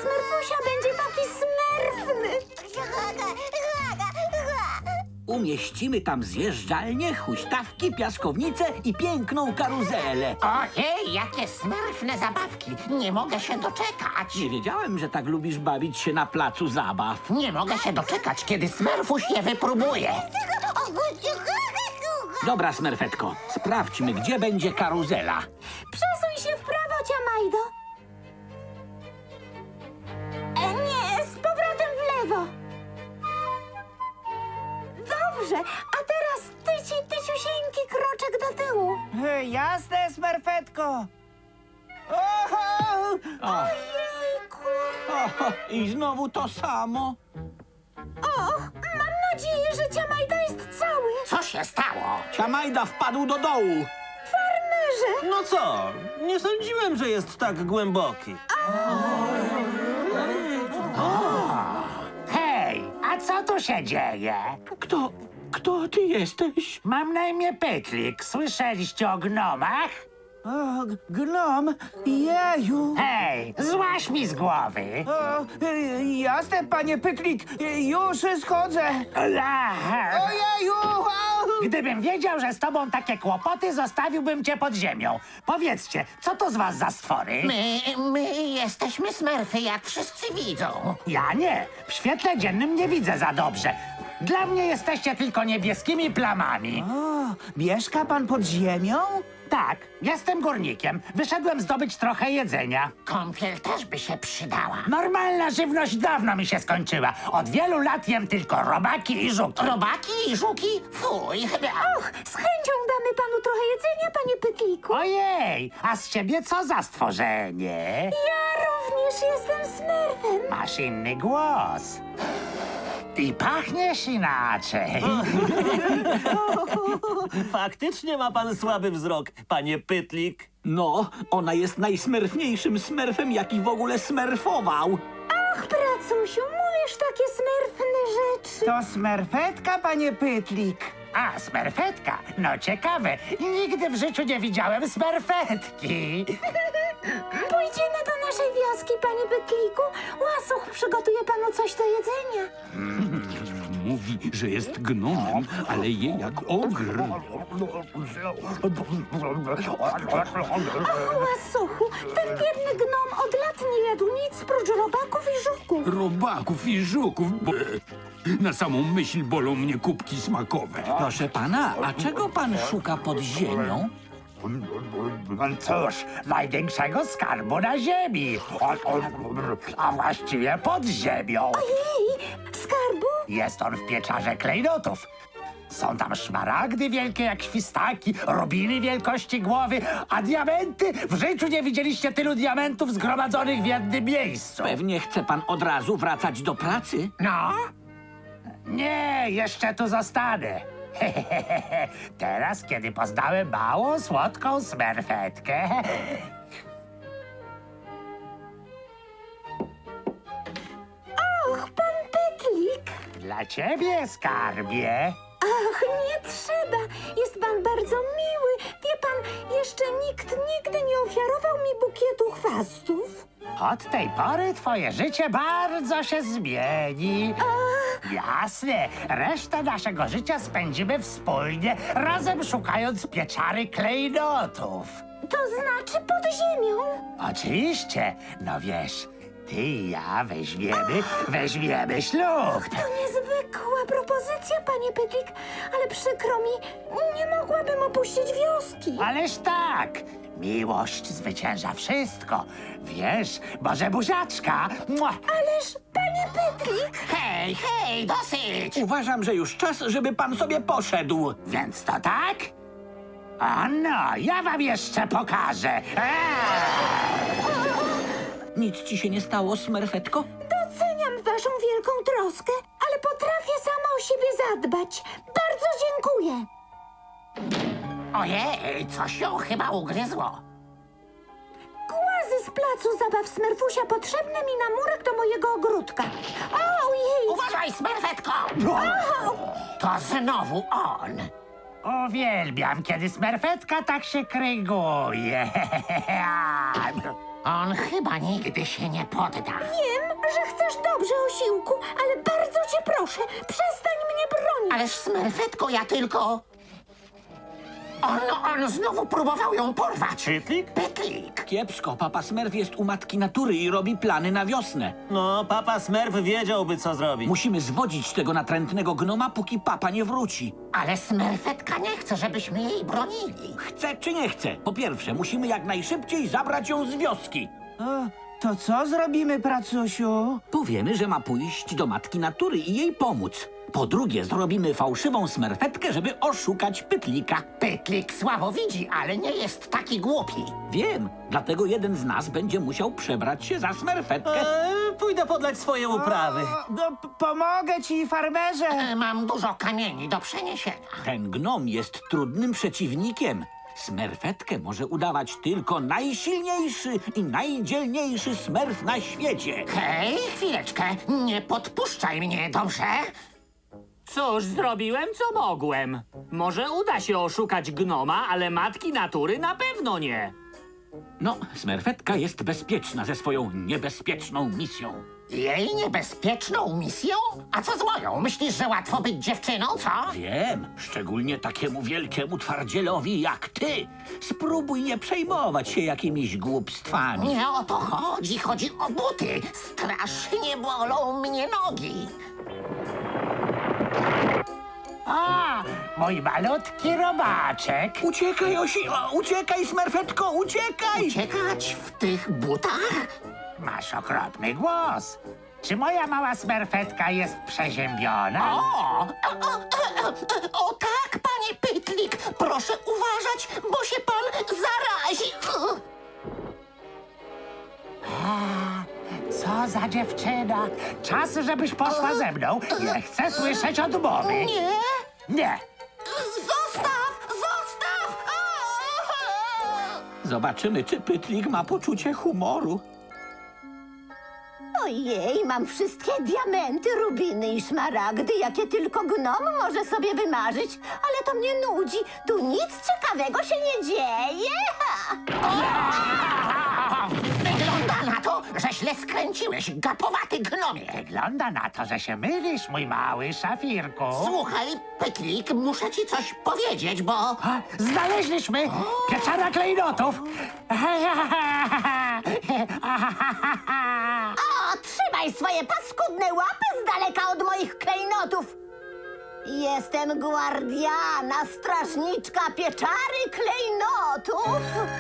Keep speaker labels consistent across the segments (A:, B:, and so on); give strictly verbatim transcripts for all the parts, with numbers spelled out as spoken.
A: Smerfusia będzie taki smerfny.
B: Umieścimy tam zjeżdżalnię, huśtawki, piaskownicę i piękną karuzelę.
C: Ojej, jakie smerfne zabawki! Nie mogę się doczekać!
B: Nie wiedziałem, że tak lubisz bawić się na placu zabaw.
C: Nie mogę się doczekać, kiedy Smerfuś je wypróbuje.
B: Dobra, Smerfetko, sprawdźmy, gdzie będzie karuzela.
A: Przesuń się w prawo, Ciamajdo. E, nie, z powrotem w lewo. Dobrze, a teraz tyci, tyciusieńki kroczek do tyłu.
D: E, Jasne, Smerfetko. Oho!
A: Ojejku.
B: O, i znowu to samo.
A: Och, mam nadzieję, że Ciamajda jest cały.
C: Co się stało?
B: Ciamajda wpadł do dołu.
A: Farmerze,
E: No co? Nie sądziłem, że jest tak głęboki.
F: Hej, a co tu się dzieje?
B: Kto, kto ty jesteś?
F: Mam na imię Pytlik. Słyszeliście o gnomach?
D: O, g- gnom, jeju.
F: Hej, złaź mi z głowy.
D: O, e, jasne, panie Pytlik, e, już schodzę.
F: Aha.
D: Ojeju! Au!
F: Gdybym wiedział, że z tobą takie kłopoty, zostawiłbym cię pod ziemią. Powiedzcie, co to z was za stwory?
C: My, my jesteśmy Smerfy, jak wszyscy widzą.
F: Ja nie. W świetle dziennym nie widzę za dobrze. Dla mnie jesteście tylko niebieskimi plamami.
D: O, mieszka pan pod ziemią?
F: Tak, jestem górnikiem. Wyszedłem zdobyć trochę jedzenia.
C: Kąpiel też by się przydała.
F: Normalna żywność dawno mi się skończyła. Od wielu lat jem tylko robaki i żuki.
C: Robaki i żuki? Fuj.
A: och, z chęcią damy panu trochę jedzenia, panie Pytliku.
F: Ojej, a z ciebie co za stworzenie?
A: Ja również jestem smerfem.
F: Masz inny głos. I pachniesz inaczej.
E: Faktycznie ma pan słaby wzrok, panie Pytlik.
B: No, ona jest najsmerfniejszym smerfem, jaki w ogóle smerfował.
A: Ach, pracusiu, mówisz takie smerfne rzeczy.
D: To Smerfetka, panie Pytlik.
F: A, smerfetka? No ciekawe. Nigdy w życiu nie widziałem smerfetki.
A: Pójdziemy do naszej wioski, panie Pytliku. Łasuch przygotuje panu coś do jedzenia.
G: Mówi, że jest gnomem, ale je jak ogr.
A: Ach, łasuchu, ten biedny gnom od lat nie jadł nic prócz robaków i żuków.
G: Robaków i żuków. Be. Na samą myśl bolą mnie kubki smakowe.
B: Proszę pana, a czego pan szuka pod ziemią?
F: Cóż, największego skarbu na ziemi. A właściwie pod ziemią.
A: Ojej, skarbu?
F: Jest on w pieczarze klejnotów. Są tam szmaragdy wielkie jak świstaki, rubiny wielkości głowy, a diamenty? W życiu nie widzieliście tylu diamentów zgromadzonych w jednym miejscu.
B: Pewnie chce pan od razu wracać do pracy?
F: No? Nie, jeszcze tu zostanę. Teraz, kiedy poznałem małą, słodką smerfetkę.
A: Och, pan Pytlik.
F: Dla ciebie, skarbie.
A: Ach, nie trzeba. Jest pan bardzo miły. Wie pan, jeszcze nikt nigdy nie ofiarował mi bukietu chwastów.
F: Od tej pory twoje życie bardzo się zmieni. Jasne, resztę naszego życia spędzimy wspólnie, razem szukając pieczary klejnotów.
A: To znaczy pod ziemią.
F: Oczywiście, no wiesz, ty i ja weźmiemy, weźmiemy ślub.
A: To niezwykła propozycja, panie Pytlik, ale przykro mi, nie mogłabym opuścić wioski.
F: Ależ tak, miłość zwycięża wszystko. Wiesz, może buziaczka? Mua.
A: Ależ, panie Pytlik,
C: Hej, hej, dosyć!
B: Uważam, że już czas, żeby pan sobie poszedł.
F: Więc to tak? A no, ja wam jeszcze pokażę. Eee!
B: Nic ci się nie stało, smerfetko?
A: doceniam waszą wielką troskę, ale potrafię sama o siebie zadbać. Bardzo dziękuję.
C: Ojej, coś ją chyba ugryzło.
A: Głazy z placu zabaw Smerfusia potrzebne mi na murek do mojego ogródka. Ojej!
C: Uważaj, Smerfetko! To znowu on.
F: Uwielbiam, kiedy smerfetka tak się kryguje.
C: On chyba nigdy się nie podda.
A: Wiem, że chcesz dobrze, Osiłku, ale bardzo cię proszę, przestań mnie bronić.
C: Ależ smerfetko, ja tylko... On, on znowu próbował ją porwać.
E: Pytlik?
C: Pytlik.
B: Kiepsko, papa Smurf jest u matki natury i robi plany na wiosnę.
E: No, papa Smurf wiedziałby, co zrobić.
B: Musimy zwodzić tego natrętnego gnoma, póki papa nie wróci.
C: Ale smerfetka nie chce, żebyśmy jej bronili.
B: Chce czy nie chce? Po pierwsze, musimy jak najszybciej zabrać ją z wioski.
D: O, to co zrobimy, pracusiu?
B: Powiemy, że ma pójść do matki natury i jej pomóc. Po drugie, zrobimy fałszywą smerfetkę, żeby oszukać Pytlika.
C: Pytlik słabo widzi, ale nie jest taki głupi.
B: Wiem, dlatego jeden z nas będzie musiał przebrać się za smerfetkę.
E: Eee, pójdę podlać swoje uprawy.
D: O, no, p- pomogę ci, farmerze.
C: E, Mam dużo kamieni do przeniesienia.
B: Ten gnom jest trudnym przeciwnikiem. Smerfetkę może udawać tylko najsilniejszy i najdzielniejszy smerf na świecie.
C: Hej, chwileczkę, nie podpuszczaj mnie, dobrze?
H: Cóż, zrobiłem co mogłem. Może uda się oszukać gnoma, ale matki natury na pewno nie.
B: No, smerfetka jest bezpieczna ze swoją niebezpieczną misją.
C: Jej niebezpieczną misją? A co z moją? Myślisz, że łatwo być dziewczyną, co?
B: Wiem, szczególnie takiemu wielkiemu twardzielowi jak ty. Spróbuj nie przejmować się jakimiś głupstwami.
C: Nie o to chodzi, chodzi o buty. Strasznie bolą mnie nogi.
F: A, mój malutki robaczek.
B: Uciekaj, Osi... O, uciekaj, smerfetko, uciekaj!
C: Uciekać w tych butach?
F: Masz okropny głos. Czy moja mała smerfetka jest przeziębiona?
C: O, o, o, o, o, o tak, panie Pytlik, proszę uważać, bo się pan zarazi.
F: Co za dziewczyna. Czas, żebyś poszła ze mną. Nie chcę słyszeć odmowy.
C: Nie,
F: Nie.
C: zostaw, zostaw.
B: Zobaczymy, czy Pytlik ma poczucie humoru.
A: Ojej, mam wszystkie diamenty, rubiny i szmaragdy, jakie tylko gnom może sobie wymarzyć, ale to mnie nudzi. Tu nic ciekawego się nie dzieje.
C: Wygląda na to, że źle skręciłeś, gapowaty gnomie.
F: Wygląda na to, że się mylisz, mój mały szafirku.
C: Słuchaj, Pytlik, muszę ci coś powiedzieć, bo...
F: A, znaleźliśmy pieczara klejnotów.
A: O, trzymaj swoje paskudne łapy z daleka od moich klejnotów. Jestem guardiana, strażniczka pieczary klejnotów.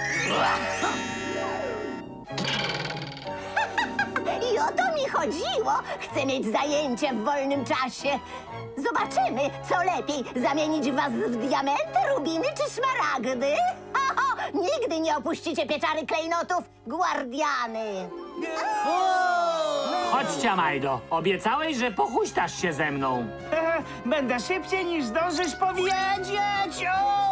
A: I o to mi chodziło. Chcę mieć zajęcie w wolnym czasie. Zobaczymy, co lepiej, zamienić was w diamenty, rubiny czy szmaragdy? Ho, ho, nigdy nie opuścicie pieczary klejnotów, guardiany.
H: Chodźcie, Majdo. Obiecałeś, że pochuśtasz się ze mną.
D: E, Będę szybciej niż zdążysz powiedzieć.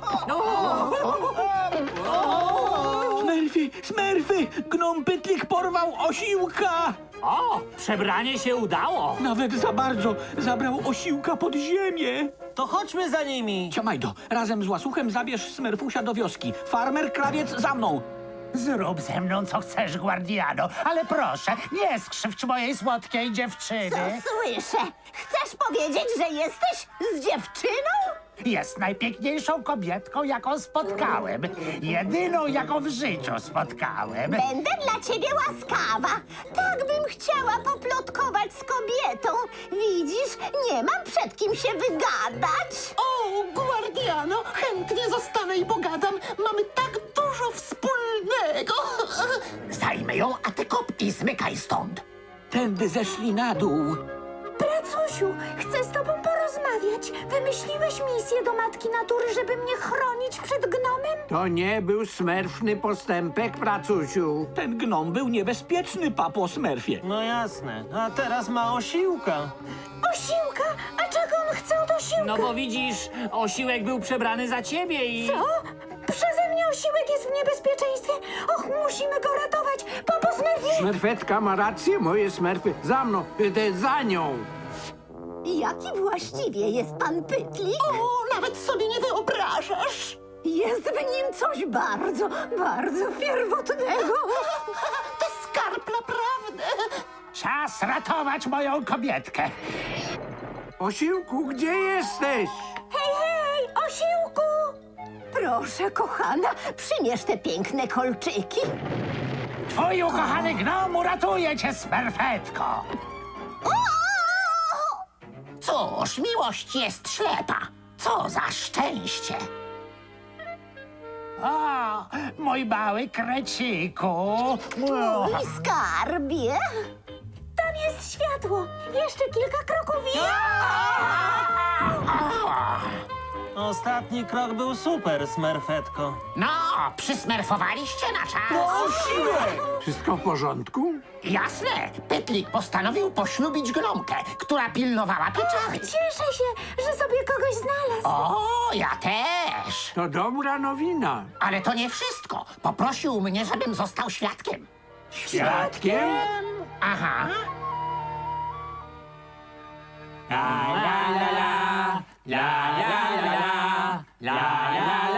D: O!
B: Smerfy, smerfy! Gnom Pytlik porwał osiłka!
H: O, przebranie się udało.
B: Nawet za bardzo zabrał osiłka pod ziemię.
E: To chodźmy za nimi.
B: Ciamajdo, razem z łasuchem zabierz smerfusia do wioski. Farmer, krawiec, za mną!
F: Zrób ze mną, co chcesz, guardiano, ale proszę, nie skrzywdź mojej słodkiej
A: Co
F: dziewczyny.
A: słyszę? Chcesz powiedzieć, że jesteś z dziewczyną?
F: Jest najpiękniejszą kobietką, jaką spotkałem. Jedyną, jaką w życiu spotkałem.
A: Będę dla ciebie łaskawa. Tak bym chciała poplotkować z kobietą. Widzisz, nie mam przed kim się wygadać.
C: O, guardiano, chętnie zostanę i pogadam. Mamy tak dużo wspólnego. Zajmę ją, a ty kop i zmykaj stąd.
B: Tędy zeszli na dół.
A: Pracusiu, chcę z tobą porozmawiać. Wymyśliłeś misję do Matki Natury, żeby mnie chronić przed gnomem?
I: To nie był smerfny postępek, pracusiu.
B: Ten gnom był niebezpieczny, papo Smurfie.
E: No jasne, a teraz ma osiłka.
A: Osiłka? A czego on chce od osiłka?
H: No bo widzisz, osiłek był przebrany za ciebie i...
A: Co? Przeze mnie osiłek jest w niebezpieczeństwie. Och, musimy go ratować. Papo Smurfie!
I: Smerfetka ma rację, moje smerfy. Za mną, e, za nią.
A: Jaki właściwie jest pan Pytlik?
C: O, nawet sobie nie wyobrażasz.
A: Jest w nim coś bardzo, bardzo pierwotnego.
C: To skarb naprawdę.
F: Czas ratować moją kobietkę.
I: Osiłku, gdzie jesteś?
A: Hej, hej, osiłku! Proszę, kochana, przymierz te piękne kolczyki.
F: Twój ukochany gnom uratuje cię, smerfetko.
C: Cóż, miłość jest ślepa. Co za szczęście.
F: O, mój mały kreciku.
A: Mój skarbie. Tam jest światło. Jeszcze kilka kroków i...
E: Ostatni krok był super, smerfetko.
C: No, przysmerfowaliście na czas.
I: Wszystko w porządku?
C: Jasne, Pytlik postanowił poślubić gnomkę, która pilnowała pieczary.
A: Cieszę się, że sobie kogoś znalazł.
C: O, ja też.
I: To dobra nowina.
C: Ale to nie wszystko. Poprosił mnie, żebym został świadkiem.
I: Świadkiem?
C: Aha.
D: La la la la, la la la la, la la